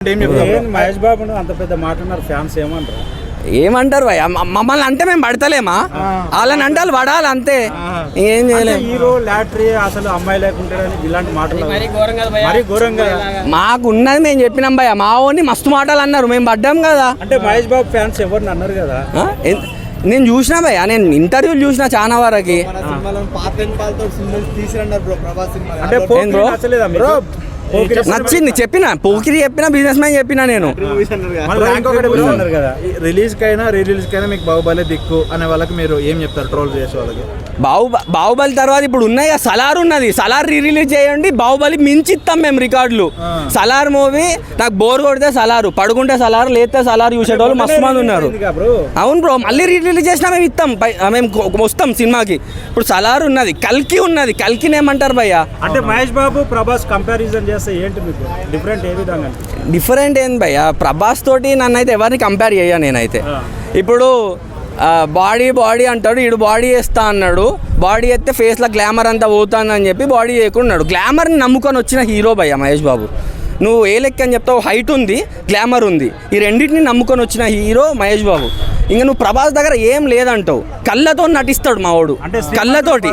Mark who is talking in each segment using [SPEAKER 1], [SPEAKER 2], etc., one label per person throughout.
[SPEAKER 1] మహేష్ బాబు అంత పెద్ద మాట ఉన్నారు, ఫ్యాన్స్ ఏమంటారు?
[SPEAKER 2] ఏమంటారు భయ, మమ్మల్ని అంటే మేము పడతలేమా, వాళ్ళని అంటే వాళ్ళు పడాలి అంతే, ఏం చేయలేము.
[SPEAKER 1] హీరో లాటరీ అసలు అమ్మాయి లేకుంటారని ఇలాంటి మాటలు మరీ ఘోరంగా.
[SPEAKER 2] మాకు ఉన్నది మేము చెప్పినాం భయ, మా ఓన్ని మస్తు మాటలు అన్నారు, మేము పడ్డాం కదా.
[SPEAKER 1] అంటే మహేష్ బాబు ఫ్యాన్స్ ఎవరిని అన్నారు కదా.
[SPEAKER 2] నేను చూసినా భయ, నేను ఇంటర్వ్యూలు చూసిన చాలా వరకు. నచ్చింది చెప్పిన, పోకిరి చెప్పిన, బిజినెస్ మ్యాన్ చెప్పిన. నేను
[SPEAKER 1] రిలీజ్ కైనా రీ రిలీజ్ కైనా మీకు బాహుబలి దిక్కు అనే వాళ్ళకి మీరు ఏం చెప్తారు ట్రోల్ చేసే వాళ్ళకి?
[SPEAKER 2] బాహుబలి తర్వాత ఇప్పుడు ఉన్నాయి కదా, సలార్ ఉన్నది, సలార్ రీ రిలీజ్ చేయండి, బాహుబలి మించి ఇస్తాం మేము రికార్డులు. సలార్ మూవీ నాకు బోర్ కొడితే సలారు, పడుకుంటే సలార్, లేతే సలార్ చూసేటోళ్ళు మస్తు మంది ఉన్నారు. అవును బ్రో, మళ్ళీ రీ రిలీజ్ చేసినా మేము ఇస్తాం, మేము వస్తాం సినిమాకి. ఇప్పుడు సలార్ ఉన్నది, కల్కి ఉన్నది, కల్కిని ఏమంటారు భయ్య?
[SPEAKER 1] అంటే మహేష్ బాబు ప్రభాస్ కంపారిజన్ చేస్తే ఏంటి మీకు డిఫరెంట్ ఏ విధంగా?
[SPEAKER 2] డిఫరెంట్ ఏంది భయ్య, ప్రభాస్ తోటి నన్ను అయితే ఎవరిని కంపేర్ చేయ నేనైతే. ఇప్పుడు బాడీ అంటాడు, ఈడు బాడీ వేస్తా అన్నాడు, బాడీ వేస్తే ఫేస్లో గ్లామర్ అంతా పోతానని చెప్పి బాడీ చేయకున్నాడు. గ్లామర్ని నమ్ముకొని వచ్చిన హీరో భయ్య మహేష్ బాబు. నువ్వు ఏ లెక్క అని చెప్తావు, హైట్ ఉంది, గ్లామర్ ఉంది, ఈ రెండింటిని నమ్ముకొని వచ్చిన హీరో మహేష్ బాబు. ఇంకా నువ్వు ప్రభాస్ దగ్గర ఏం లేదంటావు, కళ్ళతో నటిస్తాడు మావాడు, కళ్ళతోటి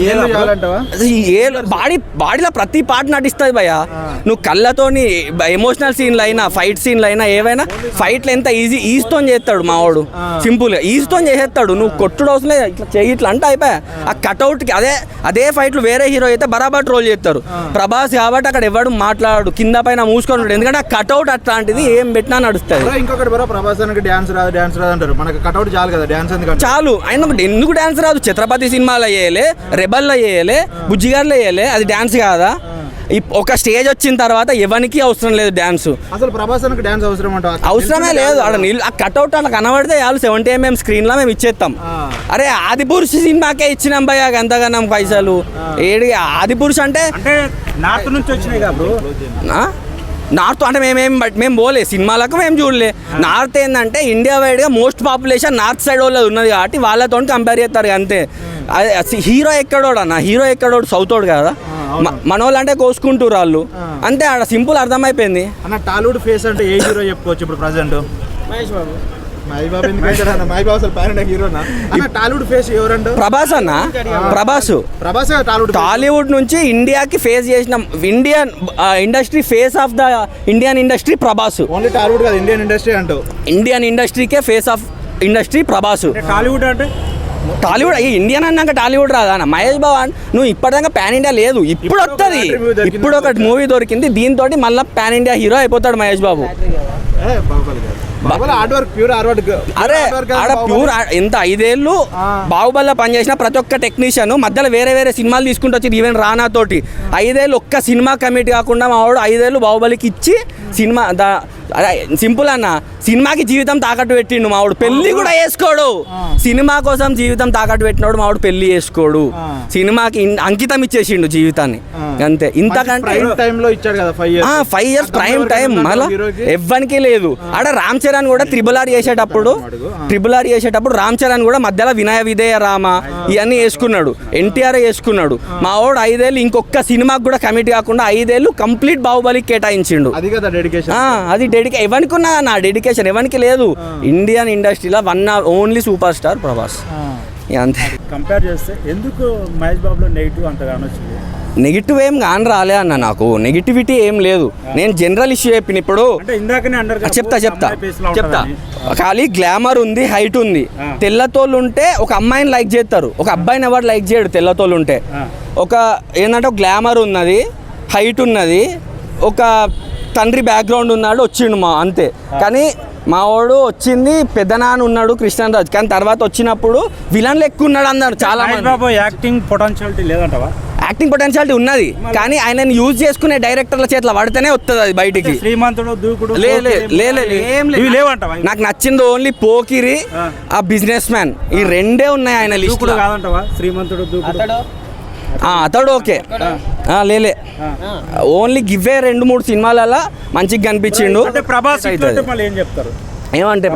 [SPEAKER 2] బాడీలో ప్రతి పార్ట్ నటిస్తుంది భయ్య. నువ్వు కళ్ళతోని ఎమోషనల్ సీన్లు అయినా, ఫైట్ సీన్లు అయినా, ఏవైనా ఫైట్లు ఎంత ఈజీతో చేస్తాడు మావాడు, సింపుల్గా ఈజీతో చేసేస్తాడు. నువ్వు కొట్టుడు అవసరం లేదు, ఇట్లా చేయి ఇట్లా అంటే అయిపోయా. ఆ కట్అవుట్కి అదే ఫైట్లు వేరే హీరో అయితే బరాబర్ ట్రోల్ చేస్తారు. ప్రభాస్ కాబట్టి అక్కడ ఎవడు మాట్లాడు, కింద పైన మూసుకొని ఉంటాడు, ఎందుకంటే ఆ కట్అవుట్ అట్లాంటిది ఏం పెట్టినా నడుస్తుంది.
[SPEAKER 1] ఇంకొకటి ప్రభాస్ డాన్స్ రాదు అంటారు, మనకు కట్అవుట్ చాలు కదా డాన్స్ ఎందుకు
[SPEAKER 2] చాలు. ఆయన ఎందుకు డాన్స్ రాదు? ఛత్రపతి సినిమాలో వేయలే, రెబల్లో వేయలే, బుజ్జిగారులో వేయలే, అది డాన్స్ కాదా? ఒక స్టేజ్ వచ్చిన తర్వాత ఎవరికి అవసరం లేదు డాన్స్.
[SPEAKER 1] అసలు ప్రభాస్ డాన్స్
[SPEAKER 2] అవసరమే లేదు. ఆ కట్అవుట్ అలా కనబడితే చాలు, 70mm స్క్రీన్ లో మేము ఇచ్చేస్తాం. అరే ఆదిపురుష్ సినిమాకే ఇచ్చినాం భయ్య అంతగానం పైసలు. ఏడి ఆదిపురుష్ అంటే
[SPEAKER 1] నార్త్ నుంచి వచ్చినాయి కదా.
[SPEAKER 2] నార్త్ అంటే మేము పోలే సినిమాలకు, మేము చూడలే. నార్త్ ఏంటంటే ఇండియా వైడ్గా మోస్ట్ పాపులేషన్ నార్త్ సైడ్ వాళ్ళది ఉన్నది కాబట్టి వాళ్ళతో కంపేర్ చేస్తారు అంతే. హీరో ఎక్కడోడు అన్న, హీరో ఎక్కడోడు సౌతోడు కదా, మన వాళ్ళు అంటే కోసుకుంటారు వాళ్ళు అంతే. ఆడ సింపుల్ అర్థమైపోయింది.
[SPEAKER 1] అన్న టాలీవుడ్ ఫేస్ అంటే ఏ హీరో చెప్పుకోవచ్చు ఇప్పుడు present? Mahesh Babu. Tollywood face ఎవరంటే
[SPEAKER 2] ప్రభాస్ అన్న. ప్రభాస్ టాలీవుడ్ నుంచి ఇండియాకి ఫేస్ చేసిన Indian industry, face of the Indian industry Prabhas.
[SPEAKER 1] Only Tollywood కాదు, ఇండియన్ ఇండస్ట్రీ అంటూ.
[SPEAKER 2] ఇండియన్ ఇండస్ట్రీకే face of industry Prabhas.
[SPEAKER 1] Tollywood అంటే
[SPEAKER 2] టాలీవుడ్ ఇండియన్ అన్నాక టాలీవుడ్ రాదా? మహేష్ బాబు నువ్వు ఇప్పటిదాకా పాన్ ఇండియా లేదు, ఇప్పుడు వస్తుంది. ఇప్పుడు ఒక మూవీ దొరికింది, దీంతో మళ్ళీ పాన్ ఇండియా హీరో అయిపోతాడు మహేష్ బాబు. అరే ఆడ ప్యూర్ ఎంత 5 ఏళ్ళు బాహుబలిలో పనిచేసిన ప్రతి ఒక్క టెక్నీషియన్ మధ్యలో వేరే సినిమాలు తీసుకుంటూ వచ్చి ఈవెన్ రానా తోటి 5 ఏళ్ళు ఒక్క సినిమా కమిట్ కాకుండా మా వాడు 5 ఏళ్ళు బాహుబలికి ఇచ్చి సినిమా సింపుల్ అన్న, సినిమాకి జీవితం తాకట్టు పెట్టిండు మావాడు, పెళ్లి కూడా చేసుకోడు. సినిమా కోసం జీవితం తాకట్టు పెట్టినోడు మావాడు పెళ్లి చేసుకోడు, సినిమాకి అంకితం ఇచ్చేసిండు జీవితాన్ని అంతే. ఇంతకంటే 5 years ప్రైమ్ టైం మళ్ళీ ఎవ్వనికి లేదు. ఆడ రామ్ చరణ్ కూడా ట్రిపుల్ ఆర్ చేసేటప్పుడు రామ్ చరణ్ కూడా మధ్యలో వినయ విధేయ రామ ఇవన్నీ వేసుకున్నాడు, ఎన్టీఆర్ వేసుకున్నాడు. మా వాడు 5 ఏళ్ళు ఇంకొక సినిమాకి కూడా కమిట్ కాకుండా 5 ఏళ్ళు కంప్లీట్ బాహుబలికి కేటాయించిండు. అది ఎవరికి ఉన్నా నా డెడికేషన్ ఎవరికి లేదు. ఇండియన్ ఇండస్ట్రీలో ఓన్లీ సూపర్ స్టార్ ప్రభాస్ అంతే. కంపేర్ చేస్తే
[SPEAKER 1] ఎందుకు మహేష్ బాబులో నెగిటివ్ అంతగా వచ్చింది?
[SPEAKER 2] నెగిటివ్ ఏం కాని రాలే అన్న, నాకు నెగిటివిటీ ఏం లేదు. నేను జనరల్ ఇష్యూ చెప్పిన. ఇప్పుడు చెప్తా ఖాళీ గ్లామర్ ఉంది, హైట్ ఉంది, తెల్లతోళ్ళు ఉంటే ఒక అమ్మాయిని లైక్ చేస్తారు, ఒక అబ్బాయిని ఎవరు లైక్ చేయడు. తెల్లతోళ్ళు ఉంటే ఒక ఏంటంటే గ్లామర్ ఉన్నది, హైట్ ఉన్నది, ఒక తండ్రి బ్యాక్గ్రౌండ్ ఉన్నాడు, వచ్చిండు అంతే. కానీ మా వాడు వచ్చింది పెద్దనాన్న ఉన్నాడు కృష్ణరాజ్, కానీ తర్వాత వచ్చినప్పుడు విలన్ లెక్క ఉన్నాడు అన్నాడు చాలా మంది.
[SPEAKER 1] యాక్టింగ్ పొటెన్షియాలిటీ లేదంటవా?
[SPEAKER 2] యాక్టింగ్ పొటెన్షియాలిటీ ఉన్నది, కానీ ఆయనని యూజ్ చేసుకునే డైరెక్టర్ల చేతిలో పడితేనే వస్తుంది అది బయటికి. నాకు నచ్చింది ఓన్లీ పోకిరి, ఆ బిజినెస్ మ్యాన్, ఈ రెండే ఉన్నాయి ఆయన లిస్ట్ లో.
[SPEAKER 1] శ్రీమంతుడు
[SPEAKER 2] అతడు ఓకే లేలే, ఓన్లీ గివ్వే 2-3 సినిమాలలో మంచిగా కనిపించిండు. ఏమంటే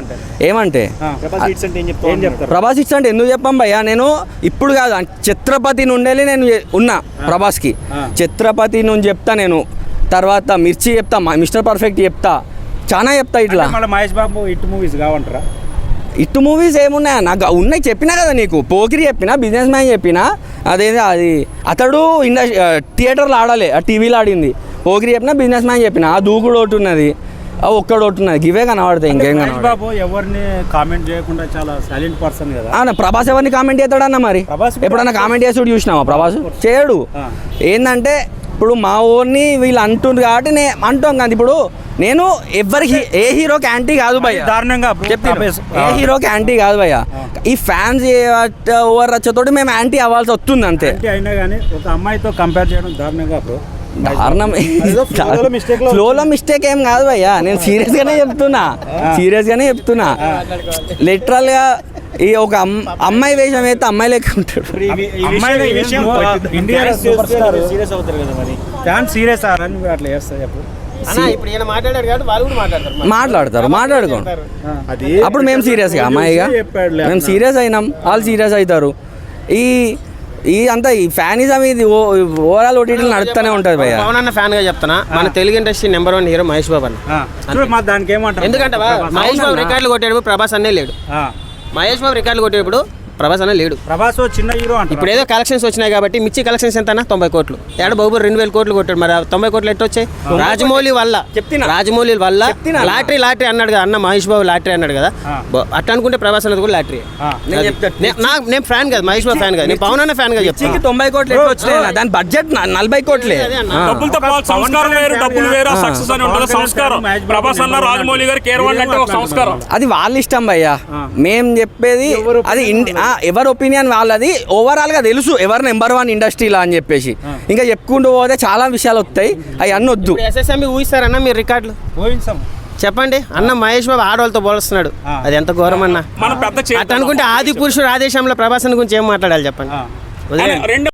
[SPEAKER 2] ప్రభాస్ ఇట్స్ అంటే ఎందుకు చెప్పాం భయ్యా? నేను ఇప్పుడు కాదు, ఛత్రపతి నుండి నేను ఉన్నా ప్రభాస్కి. ఛత్రపతి నుంచి చెప్తా నేను, తర్వాత మిర్చి చెప్తా, మిస్టర్ పర్ఫెక్ట్ చెప్తా, చాలా చెప్తా ఇట్లా.
[SPEAKER 3] మళ్ళీ మహేష్ బాబు హిట్ మూవీస్ కావంటారా?
[SPEAKER 2] ఇటు మూవీస్ ఏమున్నాయా నాకు ఉన్నాయి, చెప్పినా కదా నీకు. పోకిరి చెప్పిన, బిజినెస్ మ్యాన్ చెప్పిన, అదేది అది అతడు థియేటర్లో ఆడాలి, ఆ టీవీలో ఆడింది. పోకిరి చెప్పిన, బిజినెస్ మ్యాన్ చెప్పిన, ఆ దూకుడు ఒకటి ఉన్నది, ఆ ఒక్కడు ఒకటి ఉన్నది, ఇవే కనబడతాయి, ఇంకేం
[SPEAKER 3] మహేష్
[SPEAKER 2] కనబడతాయి.
[SPEAKER 3] బాబు ఎవరిని కామెంట్ చేయకుండా చాలా సైలెంట్ పర్సన్ కదా.
[SPEAKER 2] అవునా, ప్రభాస్ ఎవరిని కామెంట్ చేస్తాడన్న మరి?
[SPEAKER 3] ప్రభాస్ కూడా
[SPEAKER 2] ఎప్పుడన్నా కామెంట్ చేసి చూసినావా? ప్రభాస్ చేయడు. ఏంటంటే ఇప్పుడు మా ఊరిని వీళ్ళు అంటుండ్రు కాబట్టి నేను అంటాం కదా. ఇప్పుడు నేను ఎవరికి ఏ హీరోకి యాంటీ కాదు భయ్య,
[SPEAKER 3] దారుణంగా
[SPEAKER 2] చెప్తాను, ఏ హీరోకి యాంటీ కాదు భయ్య. ఈ ఫ్యాన్స్ ఓవర్ రచ్చతోటి మేము యాంటీ అవ్వాల్సి వస్తుంది అంతే.
[SPEAKER 3] అంటే అయినా కానీ ఒక అమ్మాయితో కంపేర్ చేయడం దారుణంగా బ్రో.
[SPEAKER 2] దారుణం. ఫ్లోలో మిస్టేక్ ఏం కాదు భయ్యా, నేను సీరియస్గానే చెప్తున్నా. లిటరల్గా ఈ ఒక అమ్మాయి వేషం అయితే అమ్మాయి లెక్క ఉంటాడు.
[SPEAKER 3] ఇండియా సీరియస్ అవుతారు కదా మరి, ఫ్యాన్ సీరియస్ అని అట్లా చేస్తారు చెప్పు.
[SPEAKER 4] ఇప్పుడు ఈయన మాట్లాడారు కాబట్టి వాళ్ళు కూడా
[SPEAKER 2] మాట్లాడుకోండి. అప్పుడు మేము సీరియస్గా అమ్మాయిగా మేము సీరియస్ అయినాం, వాళ్ళు సీరియస్ అవుతారు. ఈ అంతా ఈ ఫ్యానిజం ఇది ఓవరాల్ ఓటీటీలు నడుస్తూనే ఉంటుంది భయ్య.
[SPEAKER 4] పవన్ అన్న ఫ్యాన్ గా చెప్తానా, మన Telugu industry number 1 hero Mahesh Babu అన్న.
[SPEAKER 3] దానికి ఏమంటారు?
[SPEAKER 4] ఎందుకంటే మహేష్ బాబు రికార్డులు కొట్టేటప్పుడు ప్రభాస్ అన్నే లేడు. మహేష్ బాబు రికార్డులు కొట్టేటప్పుడు ప్రభాస్ అన్న లేడు.
[SPEAKER 3] ప్రభాస్ చిన్న హీరో అంటే
[SPEAKER 4] ఇప్పుడు ఏదో కలెక్షన్స్ వచ్చినాయి కాబట్టి మిర్చి కలెక్షన్స్ ఎంత 90 కోట్లు, ఏడ బాబు 2000 కోట్లు కొట్టాడు. మరి 90 కోట్లు ఎట్టు వచ్చాయి? రాజమౌళి వల్ల లాటరీ అన్నాడు కదా అన్న, మహేష్ బాబు లాటరీ అన్నాడు కదా. అట్లా అనుకుంటే ప్రభాస్ అన్నది కూడా లాటరీ. నేను ఫ్యాన్ కదా, మహేష్ బాబు ఫ్యాన్ కదా, నేను పవన్ అన్న ఫ్యాన్ గా చెప్తాను.
[SPEAKER 2] 90 కోట్లు ఎట్లా వచ్చినాయి? దాని బడ్జెట్ 40 కోట్లే.
[SPEAKER 5] డబ్బులతో పాటు సంస్కారం వేరు, డబ్బులు వేరు, సక్సెస్ అని ఉంటుంది సంస్కారం. ప్రభాస్ అన్న, రాజమౌళి గారు కేరవాళ్ళు అంటే ఒక సంస్కారం.
[SPEAKER 2] అది వాళ్ళ ఇష్టం భయ్యా, మేము చెప్పేది అది ఎవరి ఒపీనియన్ వాళ్ళది. ఓవరాల్ గా తెలుసు ఎవరు నెంబర్ 1 ఇండస్ట్రీలో అని చెప్పేసి. ఇంకా చెప్పుకుంటూ పోతే చాలా విషయాలు వస్తాయి, అవి అన్నీ వద్దు.
[SPEAKER 4] ఎస్ఎస్ఎంబి ఊహిస్తారన్న మీరు రికార్డులు చెప్పండి అన్న. మహేష్ బాబు ఆడవాళ్ళతో పోలుస్తున్నాడు, అది ఎంత ఘోరం అన్న.
[SPEAKER 5] మన పెద్ద
[SPEAKER 4] అట్లా అనుకుంటే ఆది పురుషుడు ఆదేశంలో ప్రభాస్ గురించి ఏం మాట్లాడాలి చెప్పండి.
[SPEAKER 5] రెండు